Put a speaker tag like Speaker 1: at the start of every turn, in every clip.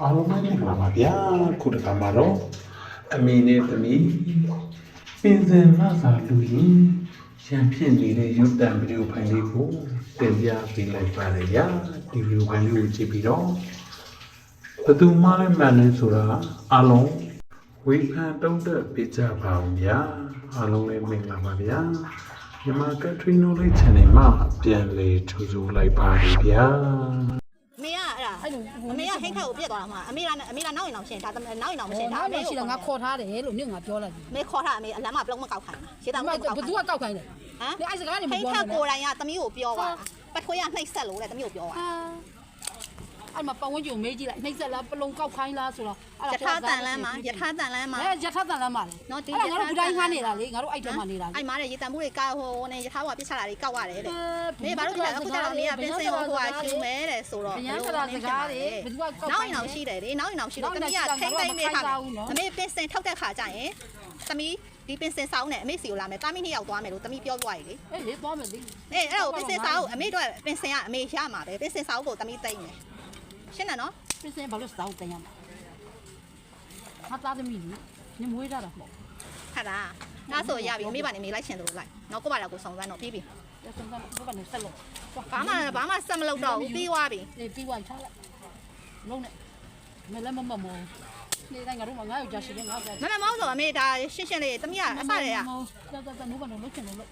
Speaker 1: အားလုံးပဲမင်္ဂလာပါဗျာခုတစ်ခါမှာတော့အမေနဲ့သမီးပင်စင်မစာလူရင်ရံဖြစ်နေတဲ့ရုပ်တံဗီဒီယိုဖိုင်လေးကိုတင်ပြပေးလိုက်ပါတယ်ဗျာဒီဗီဒီယိုဖိုင်လေးကိုကြည့်ပြီးတော့ဘယ်သူမှလည်းမှန်လဲဆိုတာအားလုံးဝေဖန်တုံ့တက်ပေးကြပါဦးဗျာအားလုံးလည်းမင်္ဂလာပါဗျာမြန်မာ Country Knowledge Channel မှာပြန်လည်ကြိုဆိုလိုက်ပါတယ်ဗျာ
Speaker 2: 没呀，没呀，很快我别多了嘛，没啦，哪有闹心，他哪有闹心，他没
Speaker 3: 是我考他的，路你我标了。
Speaker 2: 没考他，没，咱嘛不让我搞看，现在我搞
Speaker 3: 不是我搞看的，
Speaker 2: 啊？
Speaker 3: 你还是干你们
Speaker 2: 很快过来呀，咱们有标啊，不可以啊，那塞路了，咱们有标啊。
Speaker 3: 俺们帮我就没进来，那塞了不弄搞看啦，说了。
Speaker 2: 日他咱来嘛，日他咱来嘛。
Speaker 3: 哎，日他咱来嘛嘞。俺不然看你啦，你俺都爱听嘛你啦。
Speaker 2: 哎妈嘞，日咱不得搞好呢，日他话别下来的搞啊嘞。没把路来，我讲你啊，变成我话修没嘞，说了。哪有闹心的？哪有闹心的？咱们呀，听得没他，咱们变成偷得下站诶，咱们。ဒီပင်စင်ဆောင်နဲ့အမေစီကိုလာမယ်တာမင်းနှစ်ယောက်သွားမယ်လို့တမီးပြောပြရတယ်လေ
Speaker 3: အေးသွားမယ်လေ
Speaker 2: အဲ့တော့ပင်စင်ဆောင်အမေတို့ပင်စင်ကအမေရမှာပဲပင်စင်ဆောင်ကိုတမီးသိမ့်မယ်ရှင်းတယ်နော်
Speaker 3: ပင်စင်ဘာလို့စောက်တင်ရမှာဟာသားသမီးလေညမွေးကြတာမဟုတ်
Speaker 2: ဟာလားငါဆိုရပြီအမေပါနေမေးလိုက်ရှင်တို့လိုက်နော်ကိုပါလာကိုဆောင်စမ်းတော့ပြီးပြီ
Speaker 3: ဆက်စမ်းဘယ်ကနေဆက်လို့
Speaker 2: ဘာမှဆက်မလုပ်တော့ဘူးပြီးသွားပြီ
Speaker 3: အေးပြီးသွားချလိုက်လုံးနဲ့မလည်းမမောနေတိုင်းငါတို့ငါ့ယောက်ျားရှိတယ်ငါ့ယောက်ျား
Speaker 2: မမောင်းဆိုအမေဒါရှင်းရှင်းလေးတမီးကအစရဲရ
Speaker 3: တော်နိုးပါတော့လုပ်ချင်တယ်လို့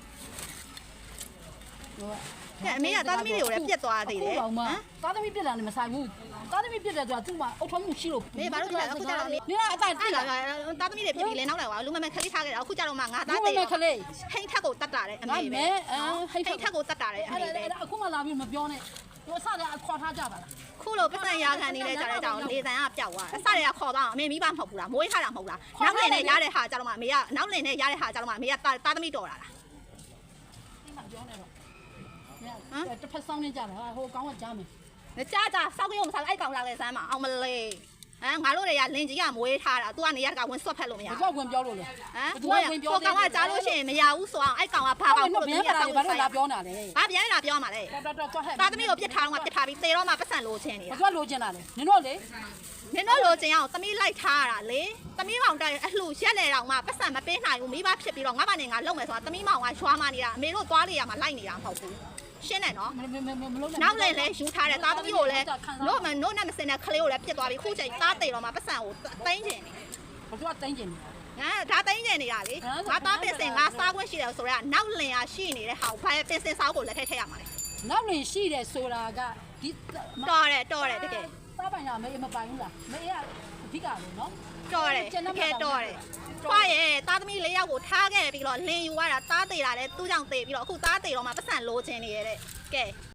Speaker 2: အမေကသားသမီးတွေကိုလည်းပြက်သွားသေးတယ်ဟမ်
Speaker 3: သားသမီးပြက်တာလည်းမဆိုင်ဘူးသားသမီးပြက်တယ်ဆိုတာသူ့မှာအုတ်ထုံးမှုရှိလို့
Speaker 2: မေဘာလို့လဲအခုကျတော့
Speaker 3: နေကအတိုင်း
Speaker 2: တိလာသားသမီးတွေပြက်ပြီးလဲနောက်လိုက်ပါလူမမခလေးထားခဲ့တယ်အခုကျတော့မှငါသားသေး
Speaker 3: ခလေး
Speaker 2: ဟိတ်ထက်ကိုတတ်တာတယ်အမေပဲဟိတ်ထက်ကိုတတ်တာတယ်အမေပဲ
Speaker 3: အခုမှလာပြီးမပြောနဲ့သူအစတည်းခေါ်ထားကြပါလား
Speaker 2: ခုလိုပတ်စံရခံနေလဲကြတဲ့ကြောင်လေတန်ကပျောက်သွားအစတွေကခေါ်သွားအောင်အမေမိဘမဟုတ်ဘူးလားမွေးထားတာမဟုတ်လားနောက်လင်နဲ့ရတဲ့ဟာကြတော့မှအမေကနောက်လင်နဲ့ရတဲ့ဟာကြတော့မှအမေကသားသမီးတော်လာလား
Speaker 3: ပြောနေတော့တစ်ဖက်ဆောင်နေကြတာဟိုကောင်းကကြားမယ်
Speaker 2: ကြားစောက်ရုံမစားအဲ့ကောင်လာလဲစမ်းမအောင်မလေးငါတို့တွေကလင်ကြီးကမွေးထားတာသူကနေရကဝင်ဆွတ်ဖက်လို့မရ
Speaker 3: ဘူးသူကဝင်ပြောလို့လေ
Speaker 2: သူကဝင်ပြောကောင်ကကြားလို့ရှိရင်မရဘူးဆိုအောင်အဲ့ကောင်ကဘာကောင်လို့
Speaker 3: သူကစောက်ဘာလို့လာပြောနေတာလဲ
Speaker 2: ဘာပြန်လာပြောမှာလဲသားသမီးကိုပြစ်ထားတော့ပြစ်ထားပြီးသေတော့မှပတ်စံလိုချင်နေတာ
Speaker 3: သူကလိုချင်တာလေနင်တို့လေ
Speaker 2: နင်တို့လိုချင်အောင်သမီးလိုက်ထားတာလေသမီးမောင်တက်အလှရက်လေတော့မှပတ်စံမပေးနိုင်ဘူးမိဘဖြစ်ပြီးတော့ငါမနဲ့ငါလုံမယ်ဆိုတာသမီးမောင်ကရွာမနေတာအမေတို့သွားလေရမှာလိုက်နေတာမဟုတ်ဘူးရှင်းတယ်နော်နောက်လည်းယူထားတယ်သားသမီးကိုလည်းလို့နဲ့မစင်တဲ့ကလေးကိုလည်းပြစ်သွားပြီခုချိန်သားတိတ်တော့မှပတ်စံကိုတိုင်းကျင်နေ
Speaker 3: ဘာလို့တိုင်းကျင်
Speaker 2: နေဒါတိုင်းကျင်နေတာလေငါသားပင်စင်ငါစားခွင့်ရှိတယ်ဆိုတော့နောက်လင်ရရှိနေတဲ့ဟာဘာပင်စင်စားကိုလက်ထက်ထည့်ရမှာလေ
Speaker 3: နောက်လင်ရှိတယ်ဆိုတာကဒီ
Speaker 2: တော်တယ်တကယ်
Speaker 3: စားပိုင်ရမေးမပိုင်ဘူးလားမေးရအဓိကလေနော်
Speaker 2: တော်တယ်တကယ်တော်တယ်ခွာရဲ့သားသမီး၄ယောက်ကိုထားခဲ့ပြီးတော့လင်ယူရတာသားသေးတာလဲသူ့ကြောင့်သေးပြီးတော့အခုသားသေးတော့မှပတ်စံလိုချင်နေရတဲ့ကဲ